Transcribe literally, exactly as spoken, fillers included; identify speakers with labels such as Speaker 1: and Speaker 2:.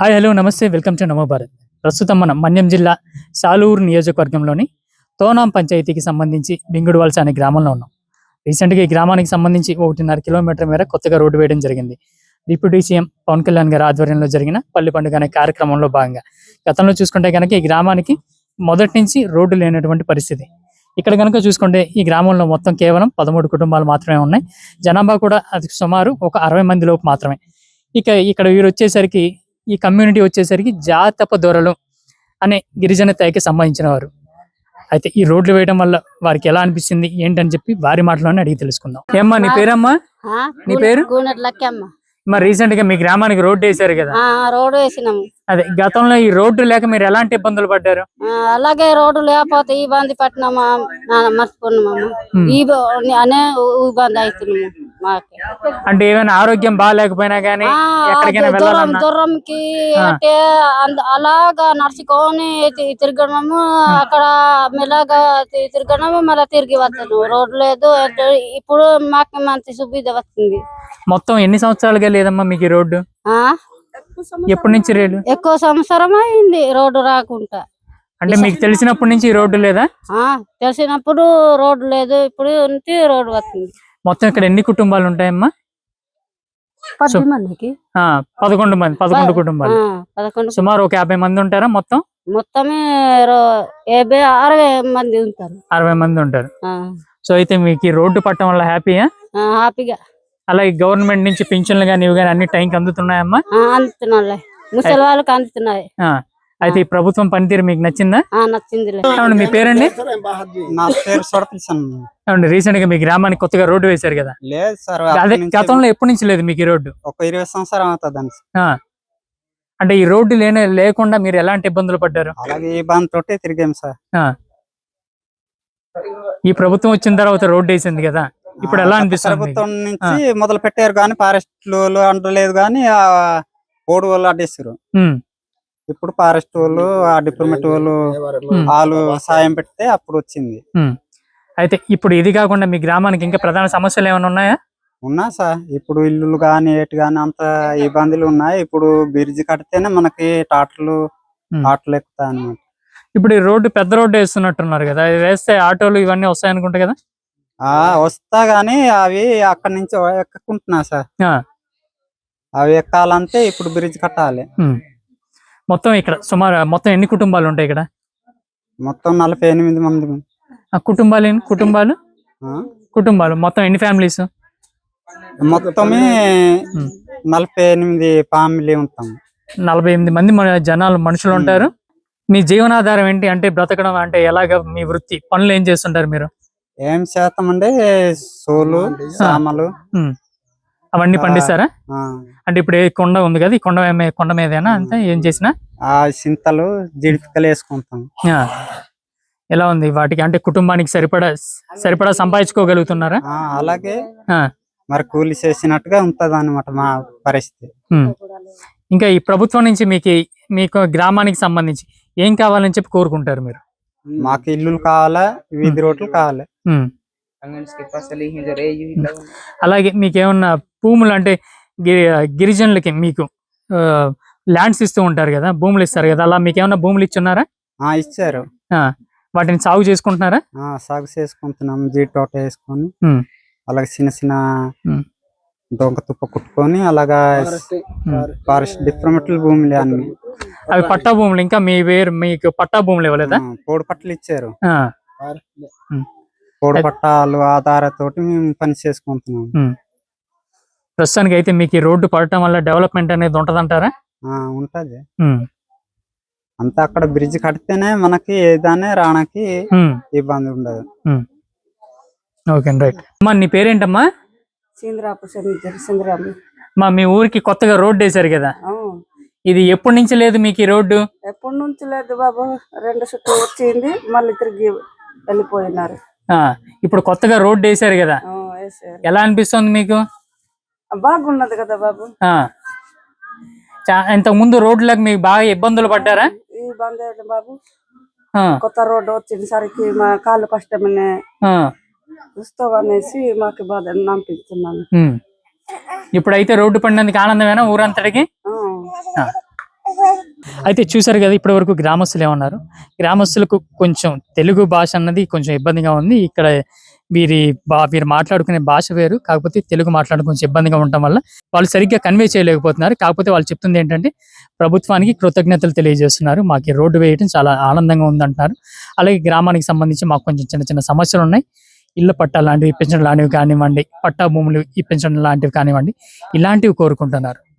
Speaker 1: Hi hello namaste welcome to Namo Bharat. ప్రస్తుతం మనం మన్యం జిల్లా సాలూరు నియోజకవర్గంలోని తోనాం పంచాయతీకి సంబంధించి బింగుడువలస అనే గ్రామంలో ఉన్నాం. రీసెంట్గా ఈ గ్రామానికి సంబంధించి ఒకటిన్నర కిలోమీటర్ మేర కొత్తగా రోడ్డు వేయడం జరిగింది. డిప్యూటీ సీఎం పవన్ కళ్యాణ్ గారి ఆధ్వర్యంలో జరిగిన పల్లి పండుగ అనే కార్యక్రమంలో భాగంగా గతంలో చూసుకుంటే కనుక ఈ గ్రామానికి మొదటి నుంచి రోడ్డు లేనటువంటి పరిస్థితి. ఇక్కడ కనుక చూసుకుంటే ఈ గ్రామంలో మొత్తం కేవలం పదమూడు కుటుంబాలు మాత్రమే ఉన్నాయి. జనాభా కూడా అది సుమారు ఒక అరవై మంది లోపు మాత్రమే. ఇక ఇక్కడ వీరు వచ్చేసరికి ఈ కమ్యూనిటీ వచ్చేసరికి జాతప దొరలు అనే గిరిజన తెగకి సంబంధించిన వారు. అయితే ఈ రోడ్లు వేయడం వల్ల వారికి ఎలా అనిపిస్తుంది ఏంటని చెప్పి వారి మాటలోనే అడిగి తెలుసుకుందాం. ఏమ్మా నీ పేరమ్మా? నీ పేరు? మరి రీసెంట్ గా మీ గ్రామానికి రోడ్డు వేసారు కదా?
Speaker 2: రోడ్డు వేసినాము.
Speaker 1: అదే గతంలో ఈ రోడ్డు లేక మీరు ఎలాంటి ఇబ్బందులు పడ్డారు?
Speaker 2: అలాగే రోడ్డు లేకపోతే ఇబ్బంది పట్టినామా మర్చిపోయినామా అనే ఇబ్బంది అవుతున్నాము.
Speaker 1: అంటే ఏమైనా ఆరోగ్యం బాగాలేకపోయినా గానీ
Speaker 2: దూరంకి అంటే అలాగా నడుచుకొని తిరగడము, అక్కడ మెల్లగా తిరగడము, మళ్ళీ తిరిగి వస్తాను. రోడ్డు లేదు. ఇప్పుడు మాకు మంచి సువిధ వస్తుంది.
Speaker 1: మొత్తం ఎన్ని సంవత్సరాలుగా లేదమ్మా మీకు ఈ రోడ్డు? ఎప్పటి నుంచి రేడు?
Speaker 2: ఎక్కువ సంవత్సరం అయింది రోడ్డు రాకుండా.
Speaker 1: అంటే మీకు తెలిసినప్పటి నుంచి ఈ రోడ్డు లేదా?
Speaker 2: తెలిసినప్పుడు రోడ్డు లేదు, ఇప్పుడు రోడ్డు వస్తుంది.
Speaker 1: మొత్తం ఇక్కడ ఎన్ని కుటుంబాలు ఉంటాయమ్మా?
Speaker 2: మందికి
Speaker 1: పదకొండు మంది పదకొండు కుటుంబాలు సుమారు ఒక యాభై మంది ఉంటారా? మొత్తం
Speaker 2: మొత్తమే యాభై అరవై మంది ఉంటారు.
Speaker 1: అరవై మంది ఉంటారు. సో అయితే మీకు ఈ రోడ్డు పట్టడం వల్ల హ్యాపీయా?
Speaker 2: హ్యాపీగా.
Speaker 1: అలాగే గవర్నమెంట్ నుంచి పింఛన్లు కానీ ఇవి కానీ అన్ని టైంకి అందుతున్నాయమ్మా?
Speaker 2: అందుతున్నాయి, ముసలి వాళ్ళకి అందుతున్నాయి.
Speaker 1: అయితే ఈ ప్రభుత్వం పనితీరు మీకు నచ్చిందా?
Speaker 2: నచ్చింది.
Speaker 1: మీ పేరండి?
Speaker 3: నా పేరు
Speaker 1: అవునండి. రీసెంట్ గా మీ గ్రామానికి కొత్తగా రోడ్డు వేశారు కదా?
Speaker 3: లేదు సార్,
Speaker 1: అదే గతంలో ఎప్పటి నుంచి లేదు మీకు ఈ రోడ్డు?
Speaker 3: ఒక ఇరవై సంవత్సరం అవుతుంది.
Speaker 1: అంటే ఈ రోడ్డు లేనే లేకుండా మీరు ఎలాంటి ఇబ్బందులు పడ్డారు?
Speaker 3: అలాగే ఇబ్బంది తోటే తిరిగాం సార్.
Speaker 1: ఈ ప్రభుత్వం వచ్చిన తర్వాత రోడ్డు వేసింది కదా, ఇప్పుడు ఎలా అనిపిస్తుంది?
Speaker 3: ప్రభుత్వం నుంచి మొదలు పెట్టారు కానీ ఫారెస్ట్ అంటలేదు కానీ ఆ ఓడు వాళ్ళు అడ్డేసారు. ఇప్పుడు ఫారెస్ట్ వాళ్ళు ఆ డిపార్ట్మెంట్ వాళ్ళు వాళ్ళు సాయం పెడితే అప్పుడు వచ్చింది.
Speaker 1: అయితే ఇప్పుడు ఇది కాకుండా మీ గ్రామానికి ఇంకా ప్రధాన సమస్యలు ఏమైనా ఉన్నాయా?
Speaker 3: ఉన్నా సార్, ఇప్పుడు ఇల్లులు గాని ఏటి గాని అంత ఇబ్బందులు ఉన్నాయి. ఇప్పుడు బ్రిడ్జి కడితేనే మనకి టాటర్లు ఆటోలు ఎక్కుతాయి అన్నమాట.
Speaker 1: ఇప్పుడు ఈ రోడ్డు పెద్ద రోడ్డు వేస్తున్నట్టున్నారు కదా, వేస్తే ఆటోలు ఇవన్నీ వస్తాయి అనుకుంటా కదా?
Speaker 3: ఆ వస్తా గానీ అవి అక్కడి నుంచి ఎక్కకుంటున్నా సార్. అవి ఎక్కాలంటే ఇప్పుడు బ్రిడ్జ్ కట్టాలి.
Speaker 1: మొత్తం ఇక్కడ సుమారు మొత్తం ఎన్ని కుటుంబాలు ఉంటాయి ఇక్కడ?
Speaker 3: మొత్తం నలభై ఎనిమిది మంది
Speaker 1: కుటుంబాలు. కుటుంబాలు కుటుంబాలు మొత్తం ఎన్ని ఫ్యామిలీస్?
Speaker 3: మొత్తమే నలభై ఎనిమిది ఫ్యామిలీ ఉంటాం.
Speaker 1: నలభై ఎనిమిది మంది మన జనాలు మనుషులు ఉంటారు. మీ జీవనాధారం ఏంటి? అంటే బ్రతకడం అంటే ఎలాగ? మీ వృత్తి పనులు ఏం చేస్తుంటారు మీరు?
Speaker 3: ఏం శాతం అంటే సోలు సామలు
Speaker 1: అవన్నీ పండిస్తారా? అంటే ఇప్పుడు ఏ కొండ ఉంది కదా, ఈ కొండ కొండ మీదేనా అంతే ఏం చేసినా?
Speaker 3: ఆ చింతలు జీడిపికలు వేసుకుంటాం.
Speaker 1: ఎలా ఉంది వాటికి? అంటే కుటుంబానికి సరిపడా సరిపడా సంపాదించుకోగలుగుతున్నారా?
Speaker 3: అలాగే మరి కూలి చేసినట్టుగా ఉంటది అన్నమాట మా పరిస్థితి.
Speaker 1: ఇంకా ఈ ప్రభుత్వం నుంచి మీకు మీకు గ్రామానికి సంబంధించి ఏం కావాలని చెప్పి కోరుకుంటారు మీరు?
Speaker 3: మాకు ఇల్లులు కావాలా, వీధి రోడ్లు కావాలి.
Speaker 1: అలాగే మీకు ఏమన్నా భూములు అంటే గిరిజనులకి మీకు ల్యాండ్స్ ఇస్తూ ఉంటారు కదా, భూములు ఇస్తారు కదా, అలా మీకు ఏమన్నా భూములు ఇచ్చున్నారా?
Speaker 3: ఇచ్చారు.
Speaker 1: వాటిని సాగు చేసుకుంటున్నారా?
Speaker 3: సాగు చేసుకుంటున్నాం. జీ తోట వేసుకొని అలాగే చిన్న చిన్న దొంగ తుప్ప కుట్టుకొని అలాగా ఫారెస్ట్ డిఫరెంట్ భూములు అన్ని.
Speaker 1: అవి పట్టా భూములు. ఇంకా మీ వేరు మీకు పట్టా భూములు ఇవ్వలేదా?
Speaker 3: పోడు పట్టలు ఇచ్చారు. పోడు పట్టాలు ఆధారతోటి మేము పని చేసుకుంటున్నాం.
Speaker 1: ప్రస్తుతానికి అయితే మీకు ఈ రోడ్డు పడటం వల్ల డెవలప్మెంట్ అనేది ఉంటదంటారా?
Speaker 3: ఉంటది. అంతా అక్కడ బ్రిడ్జ్ కడితేనే మనకి ఏదైనా రావడానికి ఇబ్బంది ఉండదు.
Speaker 1: Okay right. అమ్మా నీ పేరేంటమ్మా? మా మీ ఊరికి కొత్తగా రోడ్డు వేసారు కదా, ఇది ఎప్పటి నుంచి లేదు మీకు ఈ రోడ్డు?
Speaker 2: ఎప్పటి నుంచి లేదు బాబు, రెండు చుట్టూ వచ్చింది మళ్ళీ తిరిగి వెళ్ళిపోయినారు.
Speaker 1: ఇప్పుడు కొత్తగా రోడ్డు వేసారు కదా, ఎలా అనిపిస్తుంది మీకు?
Speaker 2: బాగున్నది కదా బాబు.
Speaker 1: ఇంతకు ముందు రోడ్లకు మీకు బాగా ఇబ్బందులు పడ్డారా?
Speaker 2: ఇబ్బంది బాబు, కొత్త రోడ్డు వచ్చేసరికి మా కాళ్ళు కష్టమనే చూస్తావు అనేసి మాకు బాధ అనిపిస్తున్నాను.
Speaker 1: ఇప్పుడైతే రోడ్డు పడినందుకు ఆనందమేనా ఊరంతటికి? అయితే చూసారు కదా ఇప్పటి వరకు గ్రామస్తులు ఏమన్నారు, గ్రామస్తులకు కొంచెం తెలుగు భాష అన్నది కొంచెం ఇబ్బందిగా ఉంది. ఇక్కడ వీరి బా వీరు మాట్లాడుకునే భాష వేరు, కాకపోతే తెలుగు మాట్లాడడం కొంచెం ఇబ్బందిగా ఉండటం వల్ల వాళ్ళు సరిగ్గా కన్వే చేయలేకపోతున్నారు. కాకపోతే వాళ్ళు చెప్తుంది ఏంటంటే ప్రభుత్వానికి కృతజ్ఞతలు తెలియజేస్తున్నారు, మాకు ఈ రోడ్డు వేయడం చాలా ఆనందంగా ఉందంటున్నారు. అలాగే గ్రామానికి సంబంధించి మాకు కొంచెం చిన్న చిన్న సమస్యలు ఉన్నాయి, ఇళ్ళ పట్టాలు లాంటివి ఇప్పించడం లాంటివి కానివ్వండి, పట్టా భూములు ఇప్పించడం లాంటివి కానివ్వండి, ఇలాంటివి కోరుకుంటున్నారు.